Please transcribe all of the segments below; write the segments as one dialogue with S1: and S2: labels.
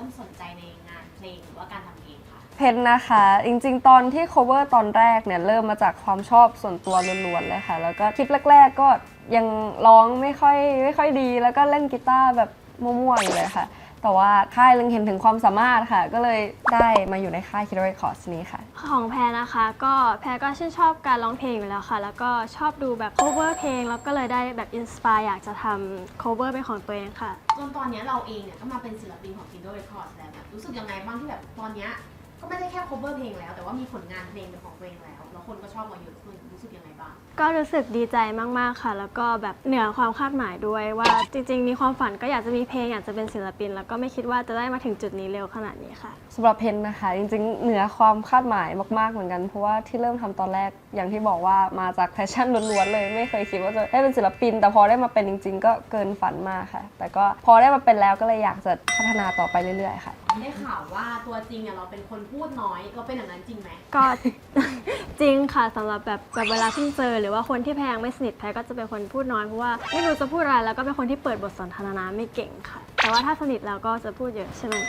S1: สนใจในงานเพลงหรือว่าการทำเพลงคะ
S2: เพนนะคะจริงๆตอนที่ cover ตอนแรกเนี่ยเริ่มมาจากความชอบส่วนตัวล้วนๆเลยค่ะแล้วก็คลิปแรกๆก็ยังร้องไม่ค่อยดีแล้วก็เล่นกีตาร์แบบมั่วๆอยู่เลยค่ะแต่ว่าค่ายเล็งเห็นถึงความสามารถค่ะก็เลยได้มาอยู่ในค่าย Kid Records นี้ค่ะ
S3: ของแพรนะคะก็แพรก็ชื่นชอบการร้องเพลงอยู่แล้วค่ะแล้วก็ชอบดูแบบ cover เพลงแล้วก็เลยได้แบบอินสปายอยากจะทำ cover เป็นของตัวเองค่ะ
S1: จนตอนนี้เราเองเนี่ยก็มาเป็นศิลปินของ Kid Records แล้วแบบรู้สึกยังไงบ้างที่แบบตอนนี้ก็ไม่ได้แค่ cover เพลงแล้วแต่ว่ามีผลงานเพลงเป็นของตัวเองแล้วคนก็ชอบมาเยอะขึ้นรู้สึกยังไงบ้าง
S3: ก็รู้สึกดีใจมากๆค่ะแล้วก็แบบเหนือความคาดหมายด้วยว่าจริงๆมีความฝันก็อยากจะมีเพลงอยากจะเป็นศิลปินแล้วก็ไม่คิดว่าจะได้มาถึงจุดนี้เร็วขนาดนี้ค่ะ
S2: สำหรับเพนนะคะจริงๆเหนือความคาดหมายมากๆเหมือนกันเพราะว่าที่เริ่มทำตอนแรกอย่างที่บอกว่ามาจากแพชชั่นล้วนๆเลยไม่เคยคิดว่าจะได้เป็นศิลปินแต่พอได้มาเป็นจริงๆก็เกินฝันมากค่ะแต่ก็พอได้มาเป็นแล้วก็เลยอยากจะพัฒนาต่อไปเรื่อยๆค่ะ
S1: ได้ข่าวว่าตัวจริงเนี่ยเราเป็นคนพูดน้อยเราเป็นอย่างนั้นจริงไหม
S3: ก็ จริงค่ะสำหรับแบบเวลาที่เจอหรือว่าคนที่แพงไม่สนิทแพรก็จะเป็นคนพูดน้อยเพราะว่าไม่รู้จะพูดอะไรแล้วก็เป็นคนที่เปิดบทสนทนาไม่เก่งค่ะแต่ว่าถ้าสนิทแล้วก็จะพูดเยอะใช่ไหม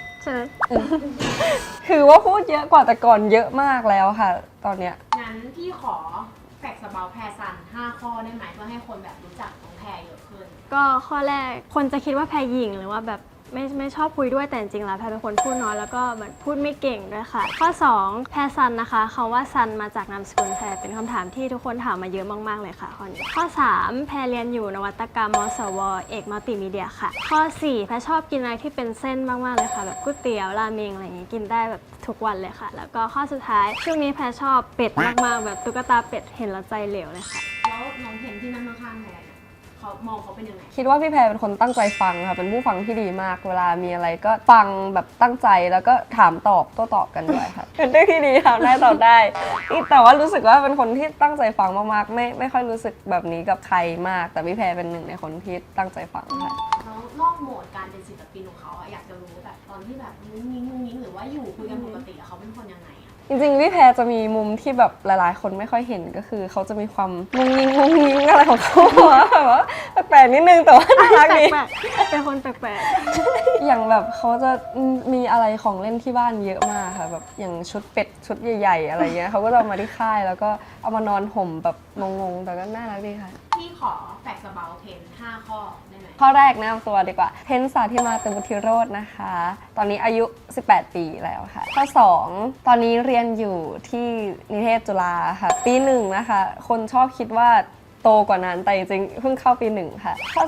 S2: คือว่าพูดเยอะกว่าแต่ก่อนเยอะมากแล้วค่ะตอนเนี้ย
S1: งั้นพี่ขอแฟกซ์เบาแพรซัน5 ข้อได้ไหมเพื่อให้คนแบบรู้จักน้องแพรเยอะขึ้น
S3: ก็ข้อแรกคนจะคิดว่าแพรหยิ่งหรือว่าแบบไม่ชอบคุยด้วยแต่จริงๆแล้วแพรเป็นคนพูดน้อยแล้วก็เหมือนพูดไม่เก่งด้วยค่ะข้อ2แพรซันนะคะคำว่าซันมาจากนามสกุลแพรเป็นคำถามที่ทุกคนถามมาเยอะมากๆเลยค่ะข้อนี้ข้อ3แพรเรียนอยู่นวัตกรรมมสวเอกมัลติมีเดียค่ะข้อ4แพรชอบกินอะไรที่เป็นเส้นมากๆเลยค่ะแบบก๋วยเตี๋ยวราเมงอะไรอย่างงี้กินได้แบบทุกวันเลยค่ะแล้วก็ข้อสุดท้ายช่วงนี้แพรชอบเป็ดมากๆแบบตุ๊กตาเป็ดเห็นแล้วใจเหลวเลยค่ะ
S1: แล้วน้องเพนที่นั่งข้างๆแพรเขามองเขาเป็นยังไง
S2: คิดว่าพี่แพรเป็นคนตั้งใจฟังค่ะเป็นผู้ฟังที่ดีมากเวลามีอะไรก็ฟังแบบตั้งใจแล้วก็ถามตอบโต้ตอบกันด้วยค่ะเป็นเรื่องที่ดีค่ะได้ตอบได้แต่ว่ารู้สึกว่าเป็นคนที่ตั้งใจฟังมากๆไม่ค่อยรู้สึกแบบนี้กับใครมากแต่พี่แพรเป็นหนึ่งในคนที่ตั้งใจฟังค่ะ
S1: แล้วนอกโหมดการเป็นศิลปินของเขาอยากจะรู้แบบตอนที่แบบงุ้งงิ้งหรือว่าอยู่คุยกันปกติเขาเป็นคนยังไง
S2: จริงๆพี่แพรจะมีมุมที่แบบหลายๆคนไม่ค่อยเห็นก็คือเขาจะมีความงุ้งงิ้งอะไรของเขาแบบว่าแปลกๆนิดนึงแต่ว่าน่ารักดี
S3: เป็นคนแปลก
S2: ๆอย่างแบบเขาจะมีอะไรของเล่นที่บ้านเยอะมากค่ะแบบอย่างชุดเป็ดชุดใหญ่ๆอะไรเงี้ยเขาก็จะเอามาที่ค่ายแล้วก็เอามานอนห่มแบบงงๆแต่ก็น่ารักดีค่ะ
S1: พี่ขอแฟกซ์เบาเพน5 ข้อได้ไหม
S2: ข้อแรกแนะนำตัวดีกว่าเพนสาธิมาเตบุธิโรจน์นะคะตอนนี้อายุ18 ปีแล้วค่ะข้อ2ตอนนี้เรียนอยู่ที่นิเทศจุฬาค่ะปี1นะคะคนชอบคิดว่าโตกว่านั้นแต่จริงๆเพิ่งเข้าปี1ค่ะข้อ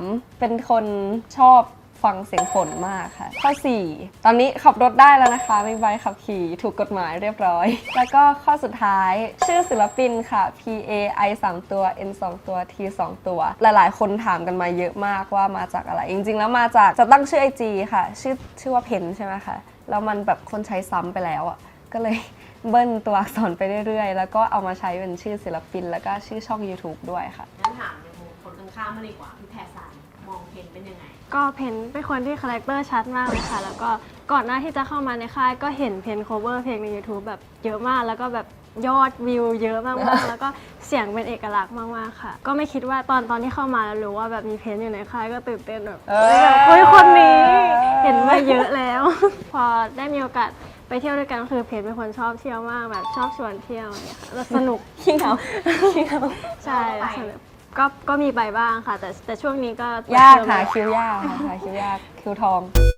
S2: 3เป็นคนชอบฟังเสียงฝนมากค่ะข้อ4ตอนนี้ขับรถได้แล้วนะคะมีใบขับขี่ถูกกฎหมายเรียบร้อยแล้วก็ข้อสุดท้ายชื่อศิลปินค่ะ P A I 3 ตัว N 2 ตัว T 2 ตัวหลายๆคนถามกันมาเยอะมากว่ามาจากอะไรจริงๆแล้วมาจากจะตั้งชื่อ IG ค่ะชื่อว่าเพนใช่ไหมคะแล้วมันแบบคนใช้ซ้ำไปแล้วอ่ะก็เลยเบิ้ลตัวอักษรไปเรื่อยๆแล้วก็เอามาใช้เป็นชื่อศิลปินแล้วก็ชื่อช่อง YouTube ด้วยค่ะ
S1: งั้นถามในมุมคนข้างๆมาเลยกว่าพี่แพรซันมองเพนเป็นยังไง
S3: ก็เพนเป็นคนที่คาแรคเตอร์ชัดมากเลยค่ะแล้วก็ก่อนหน้าที่จะเข้ามาในค่ายก็เห็นเพน cover เพลงใน YouTube แบบเยอะมากแล้วก็แบบยอดวิวเยอะมากๆแล้วก็เสียงเป็นเอกลักษณ์มากๆค่ะก็ไม่คิดว่าตอนที่เข้ามาแล้วรู้ว่าแบบมีเพนอยู่ในค่ายก็ตื่นเต้นแบบเฮ้ยคนนี้เห็นมาเยอะแล้ว พอได้มีโอกาสไปเที่ยวด้วยกันคือเพนเป็นคนชอบเที่ยวมากแบบชอบชวนเที่ยวเนี่ยค่ะแล้วสนุก
S2: ขี้เหงา
S3: ใช่สนุกก็มีไปบ้างค่ะแต่ช่วงนี้ก็
S2: ยากหาคิวยากค่ะหาคิวยากคิวทอง